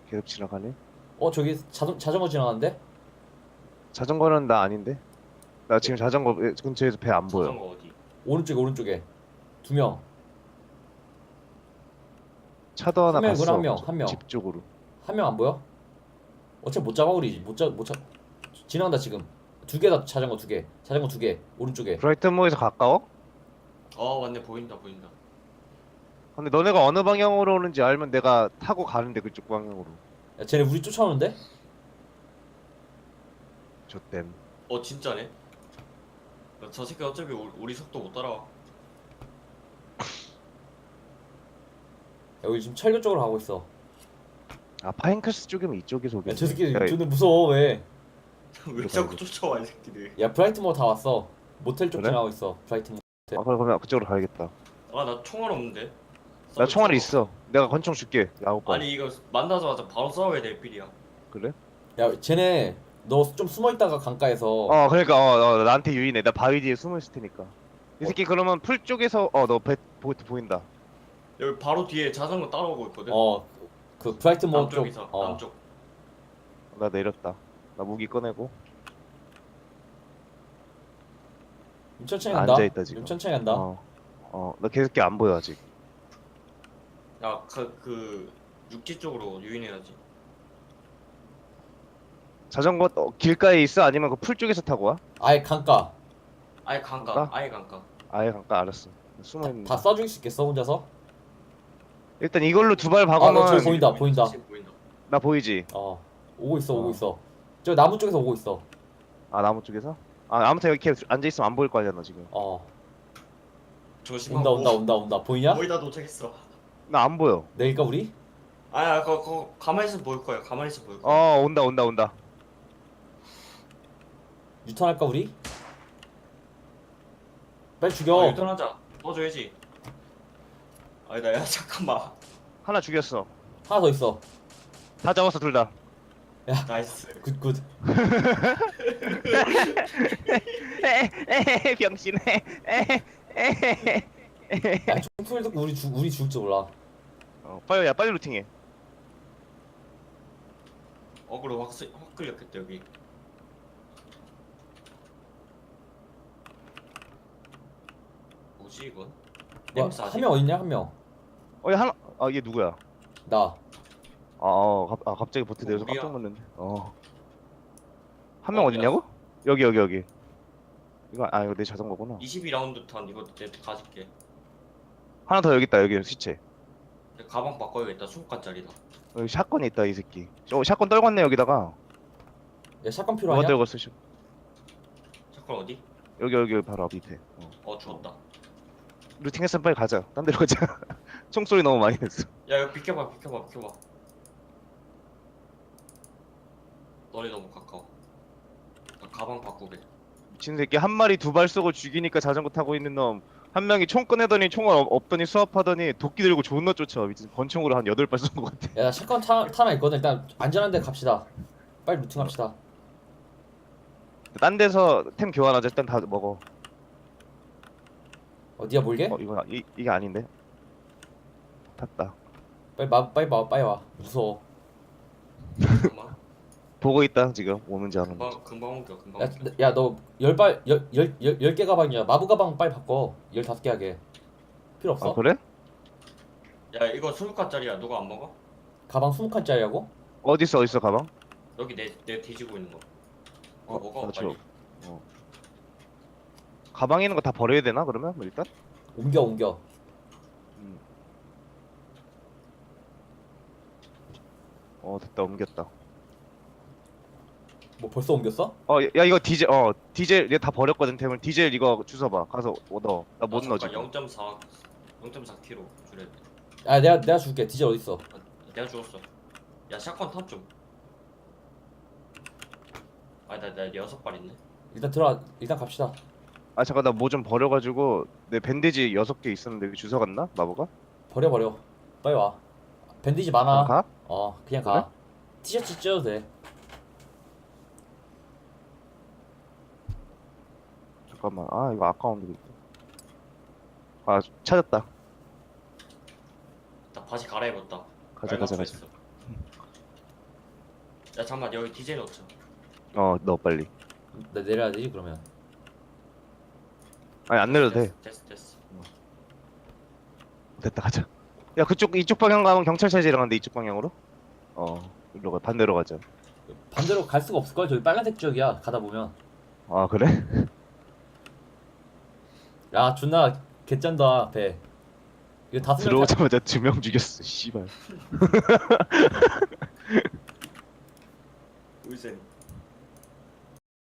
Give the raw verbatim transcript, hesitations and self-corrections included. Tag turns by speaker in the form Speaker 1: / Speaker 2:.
Speaker 1: 계속 지나가네.
Speaker 2: 어 저기 자전, 자전거 지나가는데?
Speaker 1: 자전거는 나 아닌데? 나 지금
Speaker 2: 네.
Speaker 1: 자전거 근처에서 배 안 보여.
Speaker 3: 자전거 어디?
Speaker 2: 오른쪽에 오른쪽에 두명한
Speaker 1: 차도 하나
Speaker 2: 명이구나.
Speaker 1: 갔어.
Speaker 2: 한명한명
Speaker 1: 집 쪽으로.
Speaker 2: 한 명 안 보여? 어차피 못 잡아 우리 못잡못잡 지나간다 지금. 두 개다. 자전거 두개 자전거 두 개 오른쪽에.
Speaker 1: 브라이튼모어에서 가까워?
Speaker 3: 어 맞네, 보인다 보인다.
Speaker 1: 근데 너네가 어느 방향으로 오는지 알면 내가 타고 가는데 그쪽 방향으로.
Speaker 2: 야 쟤네 우리 쫓아오는데?
Speaker 1: 좆댐.
Speaker 3: 어 진짜네. 야, 저 새끼 어차피 우리, 우리 속도 못 따라와.
Speaker 2: 야 우리 지금 철교 쪽으로 가고 있어.
Speaker 1: 아 파인크스 쪽이면 이쪽에서 오겠네.
Speaker 2: 야 저 새끼
Speaker 1: 야,
Speaker 2: 존나 무서워. 왜?
Speaker 3: 왜 자꾸 쫓아와 이 새끼들.
Speaker 2: 야 브라이트모어 다 왔어. 모텔 쪽
Speaker 1: 그래?
Speaker 2: 지나가고 있어 브라이트모어.
Speaker 1: 아 그래 그러면 그쪽으로 가야겠다.
Speaker 3: 아 나 총알 없는데.
Speaker 1: 나
Speaker 3: 싸울
Speaker 1: 총알이
Speaker 3: 거.
Speaker 1: 있어. 내가 권총 줄게. 야홉 발.
Speaker 3: 아니 이거 만나자마자 바로 싸워야 될 필이야.
Speaker 1: 그래?
Speaker 2: 야 쟤네 너 좀 숨어 있다가 강가에서.
Speaker 1: 어 그러니까 어, 어 나한테 유인해. 나 바위 뒤에 숨어 있을 테니까. 이 새끼 그러면 풀 쪽에서 어 너 배 보인다.
Speaker 3: 여기 바로 뒤에 자전거 따라오고 있거든.
Speaker 2: 어 그 브라이트모어 쪽.
Speaker 3: 남쪽에서
Speaker 2: 어
Speaker 3: 남쪽.
Speaker 1: 나 내렸다. 나 무기 꺼내고.
Speaker 2: 좀 천천히 간다.
Speaker 1: 앉아있다, 지금.
Speaker 2: 좀 천천히 간다.
Speaker 1: 어. 어, 나 계속 안 보여 아직.
Speaker 3: 야그 그 육지 쪽으로 유인해야지.
Speaker 1: 자전거 어, 길가에 있어? 아니면 그 풀 쪽에서 타고 와?
Speaker 2: 아예 강가.
Speaker 3: 아예 강가.
Speaker 1: 강가?
Speaker 3: 아예 강가.
Speaker 1: 아예 잠깐 알았어. 숨어 있는.
Speaker 2: 다 쏴줄 수 있겠어 혼자서?
Speaker 1: 일단 이걸로 두 발
Speaker 2: 아, 너
Speaker 1: 박으면
Speaker 2: 저기 보인다, 보인다.
Speaker 3: 사실 보인다.
Speaker 1: 나 보이지?
Speaker 2: 어 오고 있어 오고
Speaker 1: 어.
Speaker 2: 있어. 저 나무 쪽에서 오고 있어.
Speaker 1: 아 나무 쪽에서? 아 아무튼 여기 이렇게 앉아 있으면 안 보일 거 아니야 너 지금.
Speaker 2: 어
Speaker 3: 조심하고.
Speaker 2: 온다 온다 온다 온다. 보이냐?
Speaker 3: 거의 다 도착했어.
Speaker 1: 나 안 보여.
Speaker 2: 내릴까 우리?
Speaker 3: 아야 그거 그거 가만히 있으면 보일 거야. 가만히 있으면 보일 거야.
Speaker 1: 어 온다 온다 온다.
Speaker 2: 유턴할까 우리? 빨리
Speaker 3: 어,
Speaker 2: 죽여.
Speaker 3: 유턴하자. 넣어줘야지. 아니다 야 잠깐만.
Speaker 1: 하나 죽였어.
Speaker 2: 하나 더 있어.
Speaker 1: 다 잡았어 둘 다.
Speaker 3: 나이스.
Speaker 2: 굿굿.
Speaker 1: 에헤 병신.
Speaker 2: 야 총소리 듣고 우리 죽 우리 죽을 줄 몰라.
Speaker 1: 어 빨리 야 빨리 루팅해.
Speaker 3: 어그로 확, 쓰- 확 끌렸겠다 여기. 뭐지 이건? 엠사지?
Speaker 2: 뭐한 명 어딨냐 한 명.
Speaker 1: 어얘 하나 아 얘 누구야?
Speaker 2: 나.
Speaker 1: 아, 어, 갑, 아 갑자기 보트 내려서
Speaker 3: 우리야.
Speaker 1: 깜짝 놀랐네. 어. 한 명
Speaker 3: 어,
Speaker 1: 어딨냐고? 여기 여기 여기. 이거 아 이거 내 자전거구나.
Speaker 3: 이십이 라운드 탄 이거 내 가질게.
Speaker 1: 하나 더 여기 있다 여기 시체.
Speaker 3: 내 가방 바꿔야겠다. 이십 칸짜리다.
Speaker 1: 여기 샷건이 있다 이 새끼. 어 샷건 떨궜네 여기다가.
Speaker 2: 야 샷건
Speaker 1: 누가
Speaker 2: 필요하냐?
Speaker 1: 떨궜어 씨.
Speaker 3: 잠깐 어디?
Speaker 1: 여기 여기 바로 앞 밑에. 어.
Speaker 3: 어 주웠다.
Speaker 1: 루팅했으면 빨리 가자. 딴 데로 가자. 총소리 너무 많이 냈어.
Speaker 3: 야 이거 비켜봐 비켜봐 비켜봐. 너네 너무 가까워. 나 가방 바꾸게.
Speaker 1: 미친 새끼 한 마리 두 발 쏘고 죽이니까 자전거 타고 있는 놈. 한 명이 총 꺼내더니 총알 없- 없더니 수압하더니 도끼 들고 존나 쫓아. 미친 권총으로 한 여덟 발 쏜 것 같아.
Speaker 2: 야 나 샷건 타, 타나 있거든. 일단 안전한 데 갑시다. 빨리 루팅합시다.
Speaker 1: 딴 데서 템 교환하자. 일단 다 먹어.
Speaker 2: 어디야 몰게?
Speaker 1: 어 이거 이, 이게 아닌데. 탔다.
Speaker 2: 빨리 마 빨리 와 빨리 와. 무서워.
Speaker 3: 잠깐만.
Speaker 1: 보고 있다 지금 오는지 안 오는지.
Speaker 3: 금방 금방 옮겨 금방 옮겨.
Speaker 2: 야 너 열 발 열열열 개 가방이야. 마부 가방 빨리 바꿔. 열다섯 개 하게. 필요 없어?
Speaker 1: 아 그래?
Speaker 3: 야 이거 이십 칸짜리야. 누가 안 먹어?
Speaker 2: 가방 스무 칸짜리라고?
Speaker 1: 어디 있어 어디 있어 가방?
Speaker 3: 여기 내 내 뒤지고 있는 거. 어,
Speaker 1: 어,
Speaker 3: 먹어
Speaker 1: 나 줘.
Speaker 3: 빨리.
Speaker 1: 어. 가방에 있는 거 다 버려야 되나 그러면 뭐 일단?
Speaker 2: 옮겨 옮겨.
Speaker 1: 음. 어 됐다 옮겼다.
Speaker 2: 뭐 벌써 옮겼어?
Speaker 1: 어 야 이거 디젤 어 디젤 얘 다 버렸거든 템을. 디젤 이거 주워봐. 가서 넣어. 나 못 넣어 지금.
Speaker 3: 영 점 사 영 점 사 킬로그램 줄여야 돼.
Speaker 2: 아 내가 내가 줄게. 디젤 어디 있어?
Speaker 3: 아, 내가 죽었어. 야 샷건 탑 좀. 아니 나나 여섯 발 있네.
Speaker 2: 일단 들어와. 일단 갑시다.
Speaker 1: 아 잠깐 나 뭐 좀 버려가지고 내 밴디지 여섯 개 있었는데 여기 주워 갔나? 마보가?
Speaker 2: 버려 버려. 빨리 와. 밴디지 많아.
Speaker 1: 그럼 가?
Speaker 2: 어 그냥 가. 티셔츠 찢어도 돼.
Speaker 1: 잠깐만. 아 이거 아까운데. 아 찾았다.
Speaker 3: 나 바지 갈아입었다.
Speaker 1: 가자 가자 가자.
Speaker 3: 빨갛고 야 잠만 여기 디젤 넣자.
Speaker 1: 어 넣어 빨리.
Speaker 2: 나 내려야 되지 그러면.
Speaker 1: 아니 안 내려도 돼.
Speaker 3: 됐어 됐어. 어.
Speaker 1: 됐다 가자. 야 그쪽 이쪽 방향 가면 경찰차지랑 한데 이쪽 방향으로? 어 일로 가 반대로 가자.
Speaker 2: 반대로 갈 수가 없을 걸. 저기 빨간색 지역이야. 가다 보면.
Speaker 1: 아 그래?
Speaker 2: 야 존나 개짠다 배. 이거 다섯 명 타-
Speaker 1: 들어오자마자 두 명 죽였어. 씨발.
Speaker 3: 의센.